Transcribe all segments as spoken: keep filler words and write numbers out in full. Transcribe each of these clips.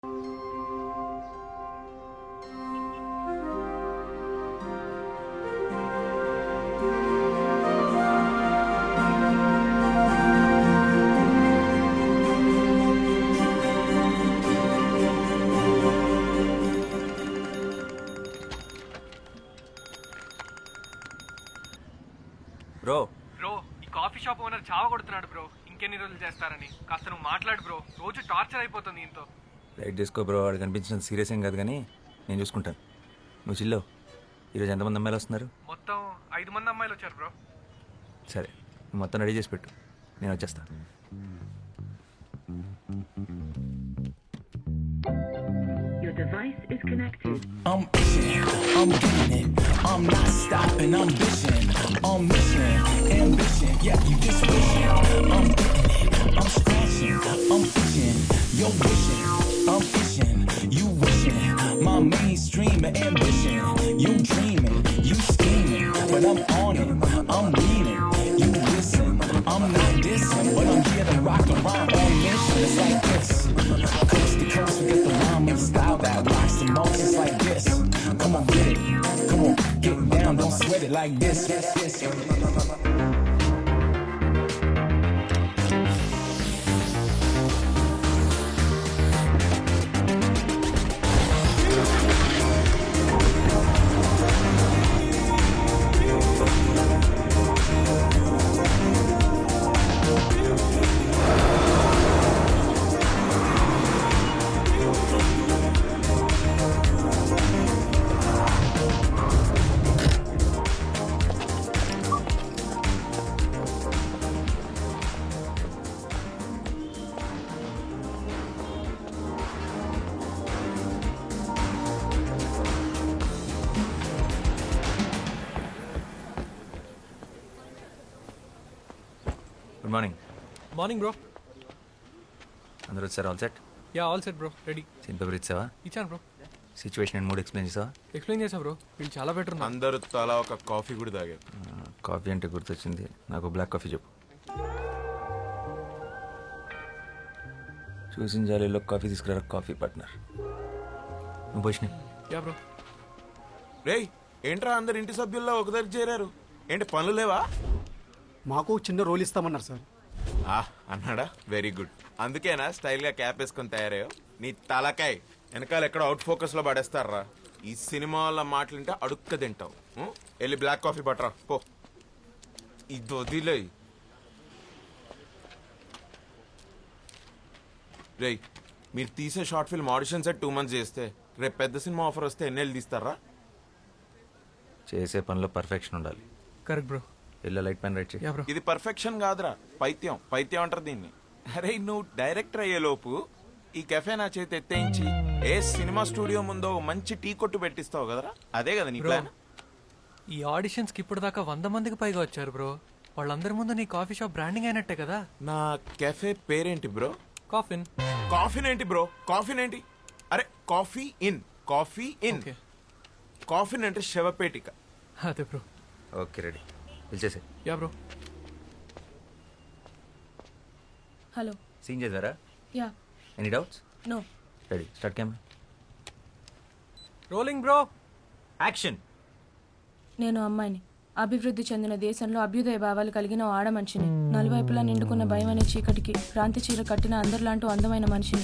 Bro bro ఈ coffee shop owner చావ కొడుతున్నాడు బ్రో. ఇంకెన్ని రోజులు చేస్తారని కాస్త నువ్వు మాట్లాడు బ్రో. రోజు టార్చర్ అయిపోతుంది ఇంతో. లైట్ తీసుకో బ్రో, వాడు కనిపించినంత సీరియస్ ఏం కాదు కానీ నేను చూసుకుంటాను. నువ్వు చిల్లో. ఈరోజు ఎంతమంది అమ్మాయిలు వస్తున్నారు? మొత్తం ఐదు మంది అమ్మాయిలు వచ్చారు బ్రో. సరే, నువ్వు మొత్తం రెడీ చేసి పెట్టు, నేను వచ్చేస్తాను. Your device is connected. I'm itching, I'm getting it, I'm not stopping, I'm bitching, I'm mission, ambition, yeah, you just wishing, I'm getting it, I'm scratching, I'm itching, you're wishing, I'm itching, you wishing, my mainstream ambition, you dreaming, you scheming, but I'm on it, I'm leaning, you listen, I'm not dissing, but I'm here to rock the rhyme on mission, it's like this, coast to coast, we get the rhyming style that rocks the most, it's like this, come on, get it, come on, get down, don't sweat it like this, yes, yes. Good morning. Morning bro. అందరూ వచ్చారు? All set? Yeah all set bro, ready. Scene paper ఇచ్చావా? ఇచ్చాను bro. Situation and mood explain చేసావా? Explain చేసా bro. వీళ్ళు చాలా better ఉన్నారు. అందరూ తలా ఒక కాఫీ కూడా తాగారు. కాఫీ అంటే గుర్తొచ్చింది, నాకు బ్లాక్ కాఫీ చెప్పు. చూసిన జాలీలో కాఫీ తీసుకురా కాఫీ పార్ట్నర్. నువ్వు పోషిన యా బ్రో. రేయ్ ఏంట్రా అందరు ఇంటి సభ్యుల్లో ఒక దగ్గర చేరారు? ఏంటి పనులు లేవా? మాకు చిన్న రోల్ ఇస్తామన్నారు సార్. ఆ అన్నాడా? Very good. అందుకేనా స్టైల్ గా క్యాప్ వేసుకొని తయారయ్యో? నీ తలకాయ్ వెనకాల ఎక్కడ అవుట్ ఫోకస్ లో పడేస్తారా? ఈ సినిమా వాళ్ళ మాటలుంటే అడుక్క తింటావు. ఉం? వెళ్ళి బ్లాక్ కాఫీ పట్టరా పో. ఇది వదిలే. రేయ్ మీరు తీసే short film audition set two months చేస్తే రేపు పెద్ద సినిమా ఆఫర్ వస్తే ఎన్నెళ్ళు తీస్తారా? చేసే పనిలో పర్ఫెక్షన్ ఉండాలి. Correct bro. Yellow light pen write చేయి. Yeah bro. ఇది పర్ఫెక్షన్ కాదురా, పైత్యం. పైత్యం అంటారు దీన్ని. అరే నువ్వు డైరెక్టర్ అయ్యే లోపు ఈ కెఫే నా చేతి ఎత్తేయించి ఏ సినిమా స్టూడియో ముందో మంచి టీ కొట్టు పెట్టిస్తావు కదరా, అదే కదా నీ ప్లాన్? ఈ ఆడిషన్స్ కి ఇప్పుడు దాకా వంద మందికి పైగా వచ్చారు బ్రో. వాళ్ళందరి ముందు నీ కాఫీ షాప్ బ్రాండింగ్ అయినట్టే కదా. నా కెఫే పేరేంటి బ్రో? కాఫిన్. కాఫీన్ ఏంటి బ్రో? కాఫీన్ ఏంటి? అరే coffee in, coffee in. Okay. Coffin అంటే శవపేటిక. అదే బ్రో. ఓకే రెడీ, పిలిచేసే. Yeah bro. హలో. సీన్ చేద్దారా? Yeah. Any doubts? No. Ready, start camera. Rolling bro. Action. నేను అమ్మాయిని, అభివృద్ధి చెందిన దేశంలో అభ్యుదయ భావాలు కలిగిన ఓ ఆడ మనిషిని, నలువైపులా నిండుకున్న భయం అనే చీకటికి క్రాంతి చీర కట్టిన అందరిలాంటి అందమైన మనిషిని.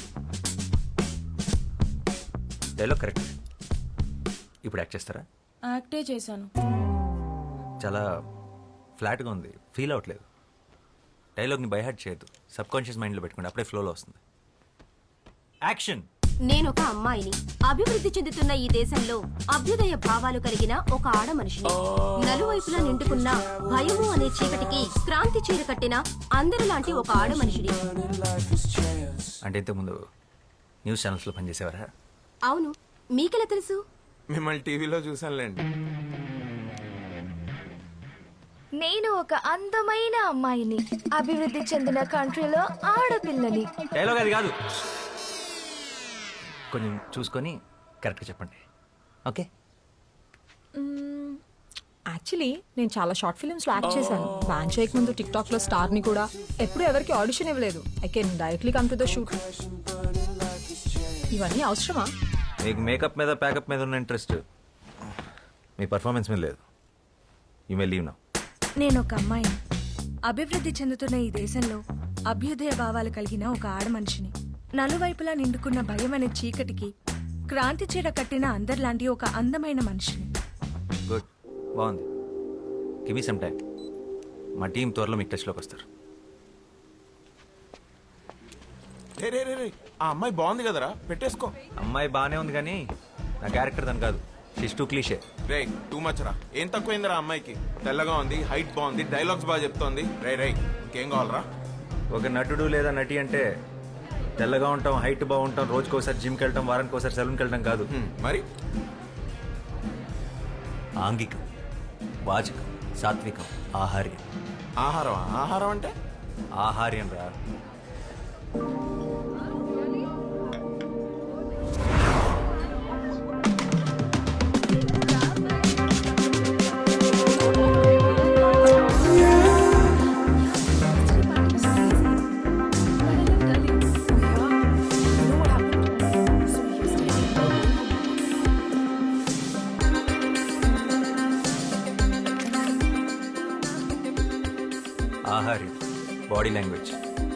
Dialogue correct. ఇప్పుడు యాక్ట్ చేస్తారా? యాక్టే చేశాను. చాలా ఫ్లాట్గా ఉంది, ఫీల్ అవ్వట్లేదు. డైలాగ్ని బైహార్ట్ చేయొద్దు, సబ్ కాన్షియస్ మైండ్లో పెట్టుకోండి, అప్పుడే ఫ్లోలో వస్తుంది. యాక్షన్. నేను ఒక అమ్మాయిని, అభివృద్ధి చెందుతున్న ఈ దేశంలో అభ్యుదయ భావాలు కలిగిన ఒక ఆడ మనిషిని, నలువైపులా నిండుకున్న భయము అనే చీకటికి క్రాంతి చీర కట్టిన అందరిలాంటి ఒక ఆడ మనిషిని. అంటే ఇంతకుముందు న్యూస్ ఛానల్స్లో పనిచేసేవారా? అవును, మీకెలా తెలుసు? మిమ్మల్ని టీవీలో చూసానులేండి. నేను ఒక అందమైన అమ్మాయిని, అభివృద్ధి చెందిన కంట్రీలో ఆడపిల్లని. డైలాగ్ అది కాదు, కొంచెం చూసుకొని కరెక్ట్గా చెప్పండి. ఓకే. యాక్చువల్లీ నేను చాలా షార్ట్ ఫిల్మ్స్లో యాక్ట్ చేశాను. బ్యాన్ చేయక ముందు టిక్ టాక్లో స్టార్ని కూడా. ఎప్పుడు ఎవరికి ఆడిషన్ ఇవ్వలేదు. I can directly come to the shoot. ఇవన్నీ అవసరమా? మీకు మేకప్ మీద ప్యాకప్ మీద ఉన్న ఇంట్రెస్ట్ మీ పర్ఫార్మెన్స్ మీద లేదు. You may leave now. నేను ఒక అమ్మాయిని, అభివృద్ధి చెందుతున్న ఈ దేశంలో అభ్యుదయ భావాలు కలిగిన ఒక ఆడ మనిషిని. నలువైపులా నిండుకున్న భయం అనే చీకటికి క్రాంతి చీర కట్టిన అందరిలాంటి ఒక అందమైన మనిషిని. గుడ్, బాగుంది. Give me some time. మా టీం త్వరలో మీకు టచ్లోకి వస్తారు. రే రే రే రే ఆ అమ్మాయి బాగుంది కదరా, పెట్టేసుకో. అమ్మాయి బాగానే ఉంది కానీ నా క్యారెక్టర్ దాని కాదు. షిష్ టూ క్లీషే. రే టూ మచ్ రా. ఏం తక్కువైందిరా అమ్మాయికి? తెల్లగా ఉంది, హైట్ బాగుంది, డైలాగ్స్ బాగా చెప్తోంది. రే రే ఇంకేం కావాలరా? ఒక నటుడు లేదా నటి అంటే తెల్లగా ఉంటాం, హైట్ బాగుంటాం, రోజుకోసారి జిమ్కి వెళ్ళటం, వారానికి ఒకసారి సెలూన్కి వెళ్ళటం కాదు. హ్మ్, మరి ఆంగికం, వాచకం, సాత్వికం, ఆహార్యం. ఆహారం ఆహారం అంటే ఆహార్యం రా. ఆహార్యం, బాడీ లాంగ్వేజ్.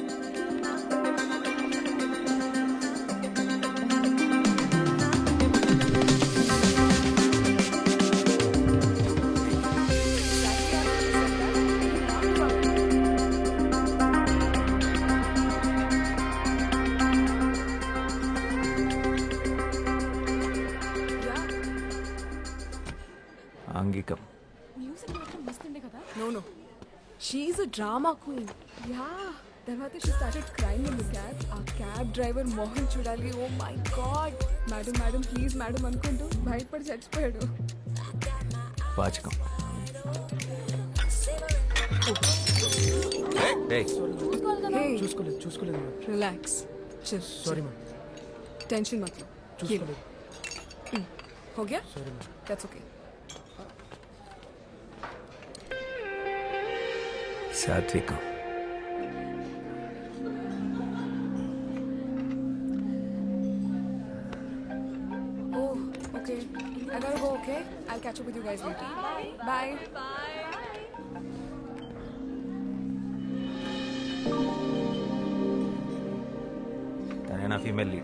ఆంగికం. No, no. She's a drama queen. Yeah. తర్వాత she started crying in the cab. ఆ క్యాబ్ డ్రైవర్ మోహన్ చూడాలి. Oh my god, madam madam please madam అనుకుంటూ భయపడి చచ్చిపోయాడు. వాచకం. Hey. చూసుకోలేదు చూసుకోలేదు relax, chill. Sorry ma'am. Tension मत लो. చూసుకోలేదు. हो गया? That's okay. సాత్వికం. Oh, okay. I gotta go, okay? I'll catch up with you guys later. Bye. తనే నా female lead.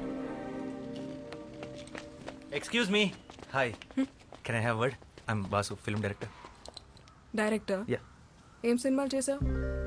Excuse me. Hi, can I have word? I'm Basu, film director. Director, yeah. ఏం సినిమాలు చేసావు?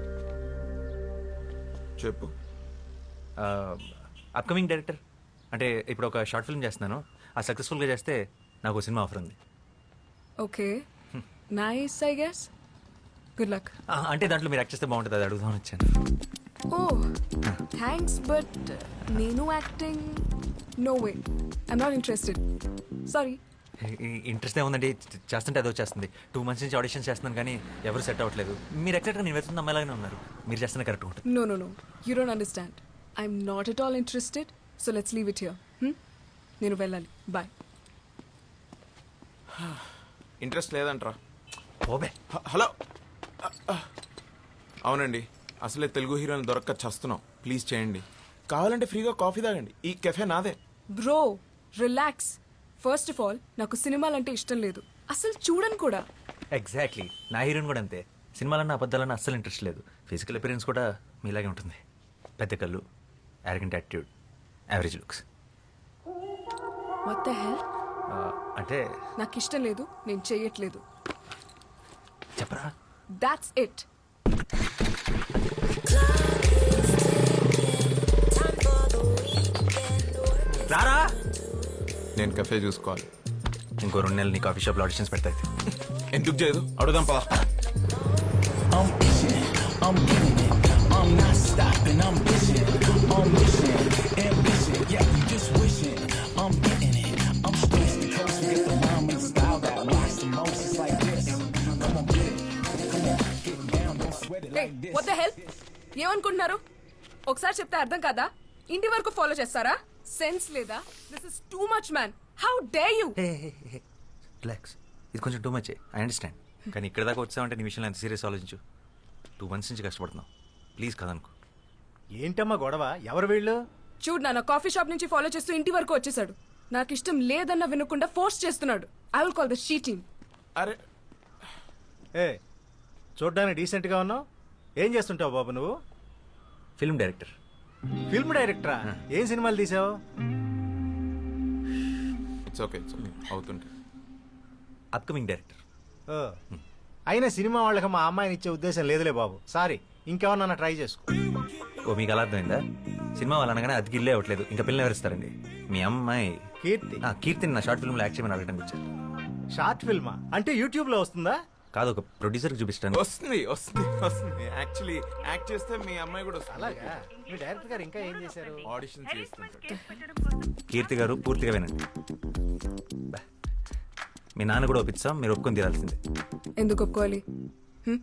చెప్పు. Upcoming director. అంటే ఇప్పుడు ఒక షార్ట్ ఫిల్మ్ చేస్తున్నాను. ఆ సక్సెస్ఫుల్గా చేస్తే నాకు ఒక సినిమా ఆఫర్ ఉంది. Okay, nice I guess. Good luck. ఆ, అంటే దాంట్లో మీరు యాక్ట్ చేస్తే బాగుంటుంది, అది అడుగుదామని వచ్చాను. ఓ థ్యాంక్స్, బట్ నేను acting no way, I'm not interested. Sorry. Interest ఏముందండి, చేస్తుంటే అదో చేస్తుంది. టూ మంత్స్ నుంచి ఆడిషన్ చేస్తున్నాను కానీ ఎవరు సెట్ అవ్వట్లేదు. మీరు ఎగ్జాక్ట్గా నేను వెళ్తున్న అమ్మాయిలాగానే ఉన్నారు. మీరు చేస్తున్న కరెక్ట్ ఉంటుంది. No, no, no. You don't understand. I'm not at all interested. So let's leave it here. Hmm? నేను వెళ్ళాలి. Bye. ఇంట్రెస్ట్ లేదంట్రా. ఓబే. హ- హలో అవునండి, అసలే తెలుగు హీరోని దొరక్క చస్తున్నాం. ప్లీజ్ చేయండి. కావాలంటే ఫ్రీగా కాఫీ తాగండి. ఈ కెఫే నాదే. Bro, relax. First of all, నాకు సినిమాలంటే ఇష్టం లేదు. అసలు చూడను కూడా. ఎగ్జాక్ట్లీ, నా హీరోయిన్ కూడా అంతే. సినిమాలన్నా అబద్ధాలన్నా అస్సలు ఇంట్రెస్ట్ లేదు. ఫిజికల్ అపిరెన్స్ కూడా మీలాగే ఉంటుంది. పెద్ద కళ్ళు, arrogant attitude, average looks. What the hell? అంటే నాకు ఇష్టం లేదు, నేను చెయ్యట్లేదు. చెప్పరా? That's it. రారా. నేను కెఫే చూసుకోవాలి. ఇంకో రెండు నెలలు నీ కాఫీ షాప్లో ఆడిషన్స్ పెడతాయి. ఎందుకు చేయదు? అడుగుదాం పదా. I'm itching, I'm getting it, I'm not stopping, I'm bitching, I'm mission, ambition, yeah, you just wishing, I'm getting it, I'm stressed to coast, get the rhyme and style that rocks the most, it's like this, come on, get it, come on, get down, don't sweat it Hey, like this. what the hell? ఏమనుకుంటున్నారు? ఒకసారి చెప్తే అర్థం కాదా? ఇంటి వరకు follow చేస్తారా? Sense లేదా? This is too much man. How dare you? Relax, ఇది కొంచెం టూ మచ్. ఐ అండర్స్టాండ్, కానీ ఇక్కడ దాకా వచ్చావంటే నీ విషయంలో ఎంత సీరియస్ ఆలోచించు. టూ మంత్స్ నుంచి కష్టపడుతున్నావు. ప్లీజ్ కదనుకో. ఏంటమ్మా గొడవ? ఎవరు వీళ్ళు? చూడు నాన్న కాఫీ షాప్ నుంచి ఫాలో చేస్తూ ఇంటి వరకు వచ్చేసాడు. నాకు ఇష్టం లేదన్న వినకుండా ఫోర్స్ చేస్తున్నాడు. I will call the shooting. అరే ఏ చూడ్డానికి డీసెంట్గా ఉన్నావు. ఏం చేస్తుంటావు బాబు నువ్వు? Film director. ఫిల్మ్ డైరెక్టరా? ఏం సినిమాలు తీసావు? ఇట్స్ ఓకే ఇట్స్ ఓకే అవుతుంటే. Upcoming director. ఓ, అయినా సినిమా వాళ్ళకి మా అమ్మాయిని ఇచ్చే ఉద్దేశం లేదులే బాబు. సారీ, ఇంకెవరన్నా ట్రై చేసుకో. ఓ మీకు అలా అర్థమైందా? సినిమా వాళ్ళు అనగానే అది గిల్లే అవ్వట్లేదు, ఇంకా పిల్లలు ఎవరిస్తారండి? మీ అమ్మాయి కీర్తి. ఆ, కీర్తిని నా షార్ట్ ఫిల్మ్లో యాక్ట్ చేయమని అడగడానికి వచ్చారు. షార్ట్ ఫిల్మా అంటే యూట్యూబ్లో వస్తుందా? కాదు, ఒక ప్రొడ్యూసర్కి చూపిస్తాను. వస్తుంది వస్తుంది వస్తుంది యాక్చువల్లీ యాక్ట్ చేస్తే మీ అమ్మాయి కూడా వస్తుంది. అలాగా? మీ డైరెక్టర్ గారు ఇంకా ఏం చేశారు? ఆడిషన్ చేస్తుంటారు. కీర్తి గారు పూర్తిగా వినండి. బా. మీ నాన్న కూడా ఒప్పిస్తాం, మీరు ఒప్పుకొని తీరాల్సిందే. ఎందుకు ఒప్పుకోవాలి? హ్మ్?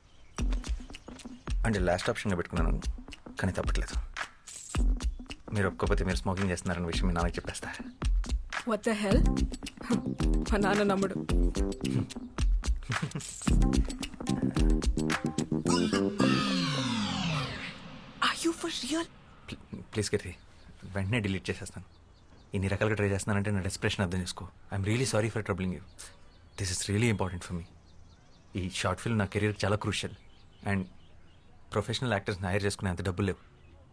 అంటే లాస్ట్ ఆప్షన్గా పెట్టుకున్నాను, కానీ తప్పట్లేదు. మీరు ఒప్పుకోకపోతే మీరు స్మోకింగ్ చేస్తున్నారన్న విషయం మీ నాన్నకి చెప్పేస్తా. What the hell? మా నాన్న నమ్ముడు. Are you for real? Please Keerthi, వెంటనే డిలీట్ చేసేస్తాను. ఇన్ని రకాలుగా ట్రై చేస్తున్నానంటే నా డెస్ప్రెషన్ అర్థం చేసుకో. I'm really sorry for troubling you. This is really important for me. ఈ షార్ట్ ఫిల్మ్ నా కెరీర్ చాలా క్రూషియల్. అండ్ ప్రొఫెషనల్ యాక్టర్స్ని హైర్ చేసుకునే అంత డబ్బులు లేవు.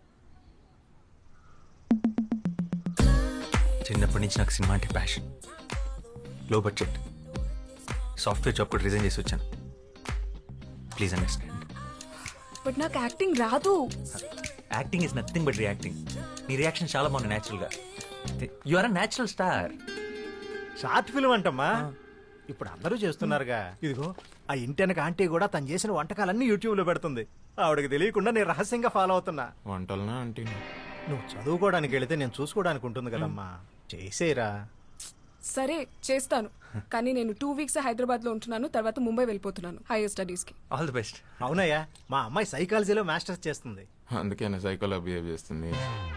చిన్నప్పటి నుంచి నాకు సినిమా అంటే passion. Low budget software job కూడా రిజైన్ చేసి వచ్చాను. Please understand. బట్ నాకు యాక్టింగ్ రాదు. Acting is nothing but reacting. నీ రియాక్షన్ చాలా బాగుంది న్యాచురల్గా. You are a natural star. Short film అంటమ్మా, ఇప్పుడు అందరూ చేస్తున్నారుగా. ఇదిగో ఆ ఇంటెనక ఆంటీ కూడా తను చేసిన వంటకాలన్నీ యూట్యూబ్లో పెడుతుంది. ఆవిడకి తెలియకుండా నేను రహస్యంగా ఫాలో అవుతున్నా. వంటలనా అంటే నువ్వు చదువుకోవడానికి వెళితే నేను చూసుకోవడానికి ఉంటుంది కదమ్మా. చేసేరా. సరే చేస్తాను, కానీ నేను టూ వీక్స్ హైదరాబాద్ లో ఉంటున్నాను. తర్వాత ముంబై వెళ్ళిపోతున్నాను హైయర్ స్టడీస్ కి. All the best. అవునయ్యా, మా అమ్మాయి సైకాలజీలో మాస్టర్స్ చేస్తుంది. అందుకే సైకోలో బిహేవ్ చేస్తుంది.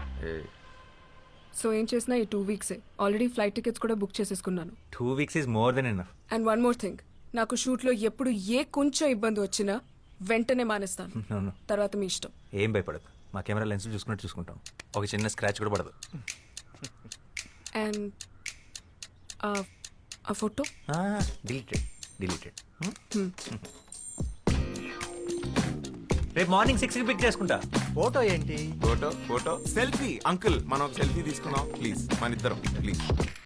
సో ఏం చేసినా ఈ టూ వీక్సే. ఆల్రెడీ ఫ్లైట్ టికెట్స్ కూడా బుక్ చేసేసుకున్నాను. Two weeks is more than enough. And one more thing, నాకు షూట్ లో ఎప్పుడు ఏ కొంచెం ఇబ్బంది వచ్చినా వెంటనే మానేస్తాను. No, no. తర్వాత మీ ఇష్టం. ఏం భయపడదు, మా కెమెరా లెన్స్ చూసుకున్నట్టు చూసుకుంటాం. ఒక చిన్న స్క్రాచ్ కూడా పడదు. అండ్ ఆ ఫోటో డిలీటెడ్ డిలీటెడ్. రేపు మార్నింగ్ సిక్స్కి పిక్ చేసుకుంటా. ఫోటో ఏంటి? Photo photo selfie. అంకుల్ మనం ఒక సెల్ఫీ తీసుకుందాం ప్లీజ్, మన ఇద్దరం ప్లీజ్.